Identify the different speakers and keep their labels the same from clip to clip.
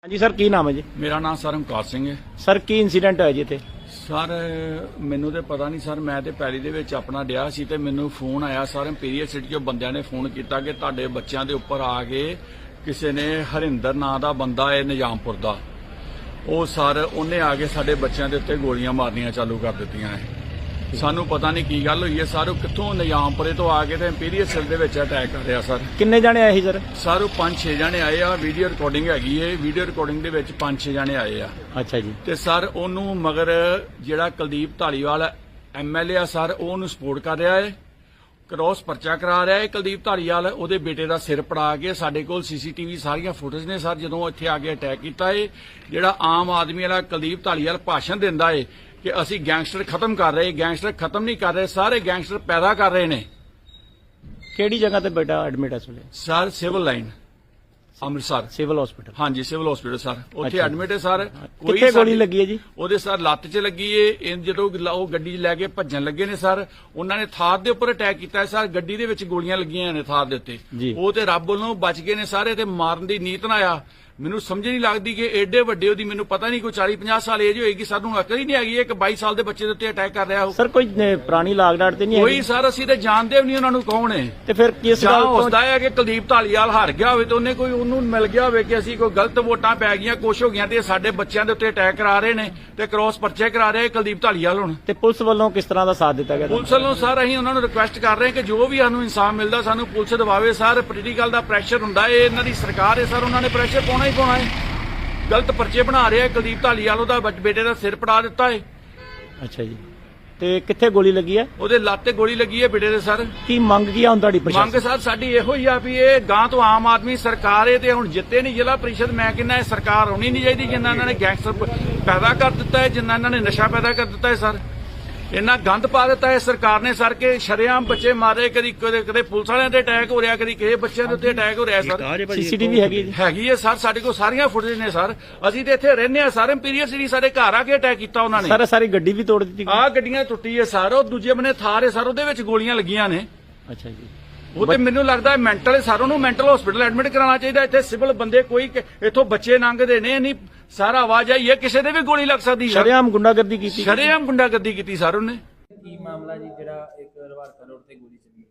Speaker 1: हाँ जी सर, की नाम है जी?
Speaker 2: मेरा नाम सर ਓਮਕਾਰ ਸਿੰਘ ਹੈ।
Speaker 1: ਸਰ ਕੀ ਇਨਸੀਡੈਂਟ ਹੋਇਆ ਜੀ ਇੱਥੇ?
Speaker 2: ਸਰ ਮੈਨੂੰ ਤੇ ਪਤਾ ਨਹੀਂ ਸਰ, ਮੈਂ ਤੇ ਪੈਲੀ ਦੇ ਵਿੱਚ ਆਪਣਾ ਡਿਆ ਸੀ ਤੇ ਮੈਨੂੰ ਫੋਨ ਆਇਆ ਸਰ ਇੰਪੀਰੀਅਲ ਸਿਟੀ ਚੋਂ ਬੰਦਿਆਂ ਨੇ ਫੋਨ ਕੀਤਾ ਕਿ ਤੁਹਾਡੇ ਬੱਚਿਆਂ ਦੇ ਉੱਪਰ ਆ ਕੇ ਕਿਸੇ ਨੇ ਹਰਿੰਦਰ ਨਾਂ ਦਾ ਬੰਦਾ ਹੈ ਨਿਜ਼ਾਮਪੁਰ ਦਾ, ਉਹ ਸਰ ਉਹਨੇ ਆ ਕੇ ਸਾਡੇ ਬੱਚਿਆਂ ਦੇ ਉੱਤੇ ਗੋਲੀਆਂ ਮਾਰਨੀਆਂ ਚਾਲੂ ਕਰ ਦਿੱਤੀਆਂ ਹੈ। ਸਾਨੂੰ ਪਤਾ ਨਹੀਂ ਕੀ ਗੱਲ ਹੋਈ ਹੈ ਸਰ, ਉਹ ਕਿੱਥੋਂ ਨਿਜ਼ਾਮਪੁਰੇ ਤੋਂ ਆ ਕੇ ਤੇ ਇੰਪੀਰੀਅਲ ਸਿਟੀ ਦੇ ਵਿੱਚ ਅਟੈਕ ਕਰ ਰਿਹਾ ਸਰ।
Speaker 1: ਕਿੰਨੇ ਜਾਣੇ ਆਏ ਸੀ ਸਰ?
Speaker 2: ਸਰ ਉਹ 5-6 ਜਣੇ ਆਏ ਆ, ਵੀਡੀਓ ਰਿਕਾਰਡਿੰਗ ਹੈਗੀ ਏ, ਵੀਡੀਓ ਰਿਕਾਰਡਿੰਗ ਦੇ ਵਿੱਚ 5-6 ਜਣੇ ਆਏ ਆ।
Speaker 1: ਅੱਛਾ ਜੀ।
Speaker 2: ਤੇ ਸਰ ਉਹਨੂੰ ਮਗਰ ਜਿਹੜਾ ਕੁਲਦੀਪ ਢਾਲੀਵਾਲ MLA ਆ ਸਰ, ਉਹ ਉਹਨੂੰ ਸਪੋਰਟ ਕਰ ਰਿਹਾ ਹੈ, ਕ੍ਰੋਸ ਪਰਚਾ ਕਰਾ ਰਿਹਾ ਹੈ। ਕੁਲਦੀਪ ਢਾਲੀਵਾਲ ਉਹਦੇ ਬੇਟੇ ਦਾ ਸਿਰ ਪੜਾ ਕੇ, ਸਾਡੇ ਕੋਲ CCTV ਸਾਰੀਆਂ ਫੁਟੇਜ ਨੇ ਸਰ, ਜਦੋਂ ਇੱਥੇ ਆ ਕੇ ਅਟੈਕ ਕੀਤਾ ਹੈ। ਜਿਹੜਾ ਆਮ ਆਦਮੀ ਵਾਲਾ ਕੁਲਦੀਪ ਢਾਲੀਵਾਲ ਭਾਸ਼ਣ ਦਿੰਦਾ ਹੈ ਕਿ ਅਸੀਂ ਗੈਂਗਸਟਰ ਖਤਮ ਕਰ ਰਹੇ, ਗੈਂਗਸਟਰ ਖਤਮ ਨਹੀਂ ਕਰ ਰਹੇ, ਸਾਰੇ ਗੈਂਗਸਟਰ ਪੈਦਾ ਕਰ ਰਹੇ ਨੇ।
Speaker 1: ਕਿਹੜੀ ਜਗ੍ਹਾ ਤੇ ਬੇਟਾ ਐਡਮਿਟ ਹੈ ਇਸ ਵੇਲੇ?
Speaker 2: Sir civil line Amritsar,
Speaker 1: civil hospital.
Speaker 2: ਹਾਂਜੀ ਸਿਵਲ ਹਸਪੀਟਲ ਸਰ, ਉੱਥੇ
Speaker 1: ਅੱਛਾ।
Speaker 2: ਐਡਮਿਟ ਹੈ ਸਰ।
Speaker 1: ਕਿੱਥੇ ਗੋਲੀ ਲੱਗੀ ਹੈ ਜੀ?
Speaker 2: ਉਹਦੇ ਸਰ ਲੱਤ 'ਚ ਲੱਗੀ ਏ। ਜਦੋਂ ਉਹ ਗੱਡੀ 'ਚ ਲੈ ਕੇ ਭੱਜਣ ਲੱਗੇ ਨੇ ਸਰ, ਉਹਨਾਂ ਨੇ ਥਾਰ ਦੇ ਉੱਪਰ ਅਟੈਕ ਕੀਤਾ ਸਰ, ਗੱਡੀ ਦੇ ਵਿੱਚ ਗੋਲੀਆਂ ਲੱਗੀਆਂ ਨੇ ਥਾਰ ਦੇ ਉੱਤੇ। ਉਹ ਤੇ ਰੱਬ ਵੱਲੋਂ ਬਚ ਗਏ ਨੇ ਸਾਰੇ, ਤੇ ਮਾਰਨ ਦੀ ਨੀਤ ਨਾ ਆਇਆ। ਮੈਨੂੰ ਸਮਝ ਨਹੀਂ ਲੱਗਦੀ ਕਿ ਏਡੇ ਵੱਡੇ ਉਹਦੀ, ਮੈਨੂੰ ਪਤਾ ਨਹੀਂ ਕੋਈ 40-50 ਸਾਲ ਏਜ ਹੋਏਗੀ, ਸਾਨੂੰ ਅਕਲ ਹੀ ਨਹੀਂ ਹੈਗੀ ਇੱਕ 22 ਸਾਲ ਦੇ ਬੱਚੇ ਦੇ ਉੱਤੇ ਅਟੈਕ ਕਰ ਰਿਹਾ।
Speaker 1: ਸਰ ਕੋਈ ਪੁਰਾਣੀ ਲਾਗ ਡਾਟ ਤੇ ਨਹੀਂ ਹੈ?
Speaker 2: ਕੋਈ ਸਰ, ਅਸੀਂ ਤੇ ਜਾਣਦੇ ਵੀ ਨਹੀਂ ਉਹਨਾਂ ਨੂੰ ਕੌਣ ਹੈ।
Speaker 1: ਤੇ ਫਿਰ ਕਿਸ
Speaker 2: ਜਾਂ
Speaker 1: ਗੱਲ
Speaker 2: ਹੋ
Speaker 1: ਤੋਂ?
Speaker 2: ਸਕਦਾ ਹੈ ਕਿ ਕੁਲਦੀਪ ਢਾਲੀਵਾਲ ਹਾਰ ਗਿਆ ਹੋਵੇ ਤੇ ਉਹਨੇ ਕੋਈ ਉਹਨੂੰ ਮਿਲ ਗਿਆ ਹੋਵੇ ਕਿ ਅਸੀਂ ਕੋਈ ਗਲਤ ਵੋਟਾਂ ਪੈ ਗਈਆਂ, ਕੁਛ ਹੋ ਗਈਆਂ ਤੇ ਸਾਡੇ ਬੱਚਿਆਂ ਦੇ ਉੱਤੇ ਅਟੈਕ ਕਰਾ ਰਹੇ ਨੇ ਤੇ ਕ੍ਰੋਸ ਪਰਚੇ ਕਰਾ ਰਹੇ ਕੁਲਦੀਪ ਢਾਲੀਵਾਲ। ਹੁਣ
Speaker 1: ਤੇ ਪੁਲਿਸ ਵੱਲੋਂ ਕਿਸ ਤਰ੍ਹਾਂ ਦਾ ਸਾਥ ਦਿੱਤਾ ਗਿਆ?
Speaker 2: ਪੁਲਿਸ ਵੱਲੋਂ ਸਰ ਅਸੀਂ ਉਹਨਾਂ ਨੂੰ ਰਿਕੁਐਸਟ ਕਰ ਰਹੇ ਹਾਂ ਕਿ ਜੋ ਵੀ ਸਾਨੂੰ ਇਨਸਾਫ ਮਿਲਦਾ ਸਾਨੂੰ ਪੁਲਿਸ ਦਿਵਾਵੇ ਸਰ। ਪੋਲੀਟੀਕਲ ਦਾ ਪ੍ਰੈਸ਼ਰ ਹੁੰਦਾ ਹੈ, ਇਹਨਾਂ ਦੀ ਸਰਕਾਰ ਹੈ ਸਰ, ਉਹਨਾਂ ਨੇ ਪ੍ਰੈਸ਼ਰ ਪਾਉਣਾ ਹੀ ਪਾਉਣਾ ਹੈ। ਗਲਤ ਪਰਚੇ ਬਣਾ ਰਿਹਾ ਕੁਲਦੀਪ ਢਾਲੀਵਾਲ, ਉਹਦਾ ਬੇਟੇ ਦਾ ਸਿਰ ਪੜਾ ਦਿੱਤਾ ਹੈ।
Speaker 1: ਅੱਛਾ ਜੀ। ਤੇ ਕਿੱਥੇ ਗੋਲੀ ਲੱਗੀ ਹੈ?
Speaker 2: ਉਹਦੇ ਲੱਤ ਤੇ ਗੋਲੀ ਲੱਗੀ ਹੈ ਬੇਟੇ ਦੇ ਸਰ।
Speaker 1: ਕੀ ਮੰਗ ਕੀ ਆ ਹੁਣ ਤੁਹਾਡੀ
Speaker 2: ਮੰਗ
Speaker 1: ਪ੍ਰਸ਼ਾਸਨ?
Speaker 2: ਸਰ ਸਾਡੀ ਇਹੋ ਹੀ ਆ ਵੀ ਇਹ ਗਾਂ ਤੋਂ ਆਮ ਆਦਮੀ ਸਰਕਾਰ ਹੈ ਤੇ ਹੁਣ ਜਿੱਤੇ ਨਹੀਂ ਜ਼ਿਲ੍ਹਾ ਪ੍ਰੀਸ਼ਦ, ਮੈਂ ਕਹਿੰਦਾ ਇਹ ਸਰਕਾਰ ਹੋਣੀ ਨਹੀਂ ਚਾਹੀਦੀ ਜਿੰਨਾ ਇਹਨਾਂ ਨੇ ਗੈਂਗਸਟਰ ਪੈਦਾ ਕਰ ਦਿੱਤਾ ਹੈ, ਜਿੰਨਾ ਇਹਨਾਂ ਨੇ ਨਸ਼ਾ ਪੈਦਾ ਕਰ ਦਿੱਤਾ ਹੈ ਸਰ। ਇੰਨਾ ਗੰਦ ਪਾ ਦਿੱਤਾ ਹੈ ਸਰਕਾਰ ਨੇ ਸਰ, ਕਿ ਸ਼ਰੇਆਮ ਬੱਚੇ ਮਾਰੇ, ਕਦੀ ਕਦੇ ਪੁਲਿਸ ਵਾਲਿਆਂ ਤੇ ਅਟੈਕ ਹੋ ਰਿਹਾ, ਕਦੀ ਕਿਸੇ ਬੱਚਿਆਂ ਦੇ ਉੱਤੇ ਅਟੈਕ ਹੋ ਰਿਹਾ ਸਰ।
Speaker 1: CCTV ਹੈਗੀ ਜੀ?
Speaker 2: ਹੈਗੀ ਹੈ ਸਰ, ਸਾਡੇ ਕੋਲ ਸਾਰੀਆਂ ਫੁਟੇਜ ਨੇ ਸਰ। ਅਸੀਂ ਤੇ ਇੱਥੇ ਰਹਿੰਦੇ ਆ ਸਰ, ਇੰਪੀਰੀਅਲ ਸਿਟੀ ਸਾਡੇ ਘਰ ਆ ਕੇ ਅਟੈਕ ਕੀਤਾ ਉਹਨਾਂ ਨੇ।
Speaker 1: ਸਰ ਸਾਰੀ ਗੱਡੀ ਵੀ ਤੋੜ ਦਿੱਤੀ?
Speaker 2: ਆਹ ਗੱਡੀਆਂ ਟੁੱਟੀ ਹੈ ਸਰ, ਉਹ ਦੂਜੇ ਬੰਨੇ ਥਾਰ ਹੈ ਸਰ, ਉਹਦੇ ਵਿੱਚ ਗੋਲੀਆਂ ਲੱਗੀਆਂ ਨੇ।
Speaker 1: ਅੱਛਾ ਜੀ।
Speaker 2: ਉਹ ਤੇ ਮੈਨੂੰ ਲੱਗਦਾ ਮੈਂਟਲ ਹੈ ਸਰ, ਉਹਨੂੰ ਮੈਂਟਲ ਹਸਪੀਟਲ ਐਡਮਿਟ ਕਰਾਉਣਾ ਚਾਹੀਦਾ। ਇੱਥੇ ਸਿਵਲ ਬੰਦੇ ਕੋਈ ਇੱਥੋਂ ਬੱਚੇ ਲੰਘਦੇ ਨੇ, ਨਹੀਂ ਸਾਰਾ ਆਵਾਜ਼ ਆਈ ਹੈ, ਕਿਸੇ ਦੇ ਵੀ ਗੋਲੀ ਲੱਗ ਸਕਦੀ ਹੈ।
Speaker 1: ਸ਼ਰੇਆਮ ਗੁੰਡਾਗਰਦੀ ਕੀਤੀ?
Speaker 2: ਸ਼ਰੇਆਮ ਗੁੰਡਾਗਰਦੀ ਕੀਤੀ ਸਰ ਉਹਨੇ।
Speaker 3: ਕੀ ਮਾਮਲਾ ਜੀ ਜਿਹੜਾ ਇੱਕ ਰਵਾਰਕਾ ਰੋਡ ਤੇ ਗੋਲੀ ਚੱਲੀ?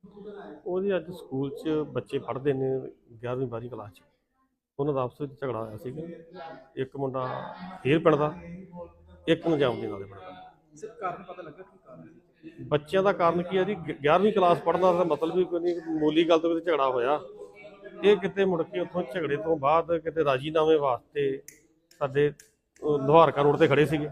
Speaker 4: ਉਹਦੀ ਅੱਜ ਸਕੂਲ 'ਚ ਬੱਚੇ ਪੜ੍ਹਦੇ ਨੇ 11ਵੀਂ 12ਵੀਂ ਕਲਾਸ 'ਚ, ਉਹਨਾਂ ਦਾ ਆਪਸ ਵਿੱਚ ਝਗੜਾ ਹੋਇਆ ਸੀਗਾ। ਇੱਕ ਮੁੰਡਾ ਹੀਰ ਪਿੰਡ ਦਾ, ਇੱਕ ਨਿਜ਼ਾਮ ਦੇ ਨਾਲ ਦੇ ਪਿੰਡ ਦਾ।
Speaker 3: ਸਰ ਕਾਰਨ ਪਤਾ ਲੱਗਾ ਕੀ ਕਾਰਨ ਸੀ?
Speaker 4: ਬੱਚਿਆਂ ਦਾ ਕਾਰਨ ਕੀ ਹੈ ਜੀ, 11ਵੀਂ ਕਲਾਸ ਪੜ੍ਹਨਾ ਦਾ ਮਤਲਬ ਵੀ ਕੋਈ ਨਹੀਂ, ਮਾਮੂਲੀ ਗੱਲ ਤੋਂ ਕਿਤੇ ਝਗੜਾ ਹੋਇਆ। ਇਹ ਕਿਤੇ ਮੁੜ ਕੇ ਉੱਥੋਂ ਝਗੜੇ ਤੋਂ ਬਾਅਦ ਕਿਤੇ ਰਾਜੀਨਾਮੇ ਵਾਸਤੇ ਸਾਡੇ ਲੁਹਾਰਕਾ ਰੋਡ ਤੇ ਖੜੇ ਸੀਗੇ।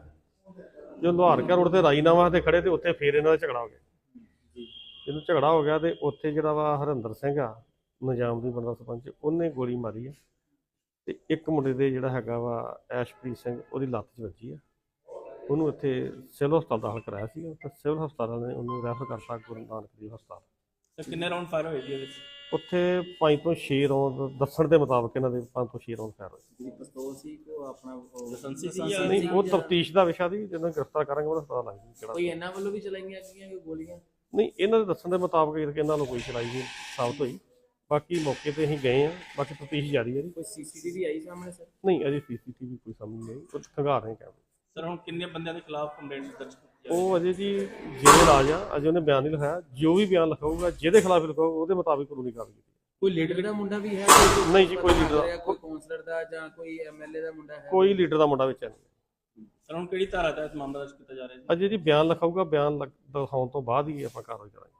Speaker 4: ਜੋ ਲੁਹਾਰਕਾ ਰੋਡ ਤੇ ਰਾਜੀਨਾਮਾ ਤੇ ਖੜੇ ਤੇ ਉੱਥੇ ਫੇਰ ਇਹਨਾਂ ਦਾ ਝਗੜਾ ਹੋ ਗਿਆ। ਜਦੋਂ ਝਗੜਾ ਹੋ ਗਿਆ ਤੇ ਉੱਥੇ ਜਿਹੜਾ ਵਾ ਹਰਿੰਦਰ ਸਿੰਘ ਆ, ਨਿਜ਼ਾਮ ਦੀ ਬੰਦਾ ਸਰਪੰਚ, ਉਹਨੇ ਗੋਲੀ ਮਾਰੀ ਹੈ ਤੇ ਇੱਕ ਮੁੰਡੇ ਦੇ ਜਿਹੜਾ ਹੈਗਾ ਵਾ ਐਸ਼ਪ੍ਰੀਤ ਸਿੰਘ, ਉਹਦੀ ਲੱਤ 'ਚ ਵੱਜੀ ਆ। ਉਹਨੂੰ ਇੱਥੇ ਸਿਵਲ ਹਸਪਤਾਲ ਦਾਖਲ ਕਰਾਇਆ ਸੀ ਤੇ ਸਿਵਲ ਹਸਪਤਾਲ ਨੇ ਉਹਨੂੰ ਰੈਫਰ ਕਰਤਾ ਗੁਰੂ ਨਾਨਕ ਦੇਵ ਹਸਪਤਾਲ।
Speaker 3: ਸਰ ਕਿੰਨੇ ਰਾਉਂਡ ਫਾਇਰ ਹੋਏ ਜੀ ਇਹਦੇ ਵਿੱਚ?
Speaker 4: ਉੱਥੇ 5 ਤੋਂ 6 ਰੌਂਦ ਦੱਸਣ ਦੇ ਮੁਤਾਬਕ ਇਹਨਾਂ ਦੇ 5 ਤੋਂ 6 ਰੌਂਦ ਫਾਇਰ ਹੋਏ।
Speaker 3: ਜਿਹੜੀ ਪਿਸਤੌਲ ਸੀ ਕੋ ਆਪਣਾ ਲਾਇਸੈਂਸੀ ਸੀ ਜਾਂ
Speaker 4: ਨਹੀਂ, ਉਹ ਤਫਤੀਸ਼ ਦਾ ਵਿਸ਼ਾ ਦੀ, ਜਦੋਂ ਗ੍ਰਿਫਤਾਰ ਕਰਾਂਗੇ ਉਹਦਾ ਪਤਾ ਲੱਗ ਜੂ ਕਿਹੜਾ।
Speaker 3: ਕੋਈ ਇਹਨਾਂ ਵੱਲੋਂ ਵੀ ਚਲਾਈਆਂ ਗਈਆਂ ਕੋਈ ਗੋਲੀਆਂ?
Speaker 4: ਨਹੀਂ, ਇਹਨਾਂ ਦੇ ਦੱਸਣ ਦੇ ਮੁਤਾਬਕ ਇਹਨਾਂ ਨੂੰ ਕੋਈ ਚਲਾਈ ਨਹੀਂ ਸਾਬਤ ਹੋਈ। ਬਾਕੀ ਮੌਕੇ ਤੇ ਅਸੀਂ ਗਏ ਆ, ਬਾਕੀ ਤਫਤੀਸ਼ ਜਾਰੀ ਹੈ ਜੀ।
Speaker 3: ਕੋਈ CCTV ਆਈ ਸਾਹਮਣੇ ਸਰ?
Speaker 4: ਨਹੀਂ, ਅਜੇ CCTV ਕੋਈ ਸਾਹਮਣੇ ਨਹੀਂ ਆਈ, ਉਹ ਖੰਗਾਰ ਰਹੇ ਕੈਮਰੇ।
Speaker 3: ਸਰ ਹੁਣ ਕਿੰਨੇ ਬੰਦਿਆਂ ਦੇ ਖਿਲਾਫ ਕੰਪਲੇਂਟ ਦਰਜ ਕੀਤੀ?
Speaker 4: ਉਹ ਅਜੇ ਜੀ ਜਿਹੜੇ ਰਾਜ ਆ, ਅਜੇ ਉਹਨੇ ਬਿਆਨ ਨਹੀਂ ਲਿਖਾਇਆ। ਜੋ ਵੀ ਬਿਆਨ ਲਿਖਾਊਗਾ, ਜਿਹਦੇ ਖਿਲਾਫ ਲਿਖਾਊਗਾ, ਉਹਦੇ ਮੁਤਾਬਿਕ ਕਾਨੂੰਨੀ ਕਾਰਵਾਈ ਕੀਤੀ।
Speaker 3: ਕੋਈ ਲੀਡਰ ਦਾ ਮੁੰਡਾ ਵੀ ਹੈ?
Speaker 4: ਨਹੀਂ ਜੀ, ਕੋਈ ਲੀਡਰ ਦਾ,
Speaker 3: ਕੋਈ ਕਾਉਂਸਲਰ ਦਾ ਜਾਂ ਕੋਈ MLA ਦਾ ਮੁੰਡਾ ਹੈ?
Speaker 4: ਕੋਈ ਲੀਡਰ ਦਾ ਮੁੰਡਾ ਵਿੱਚ ਨਹੀਂ।
Speaker 3: ਸਰ ਹੁਣ ਕਿਹੜੀ ਧਾਰਾ ਤਹਿਤ ਮਾਮਲਾ ਦਰਜ ਕੀਤਾ ਜਾ ਰਿਹਾ ਹੈ?
Speaker 4: ਅਜੇ ਜੀ ਬਿਆਨ ਲਿਖਾਊਗਾ, ਬਿਆਨ ਦਿਖਾਉਣ ਤੋਂ ਬਾਅਦ ਹੀ ਆਪਾਂ ਕਾਰਵਾਈ ਕਰਾਂਗੇ।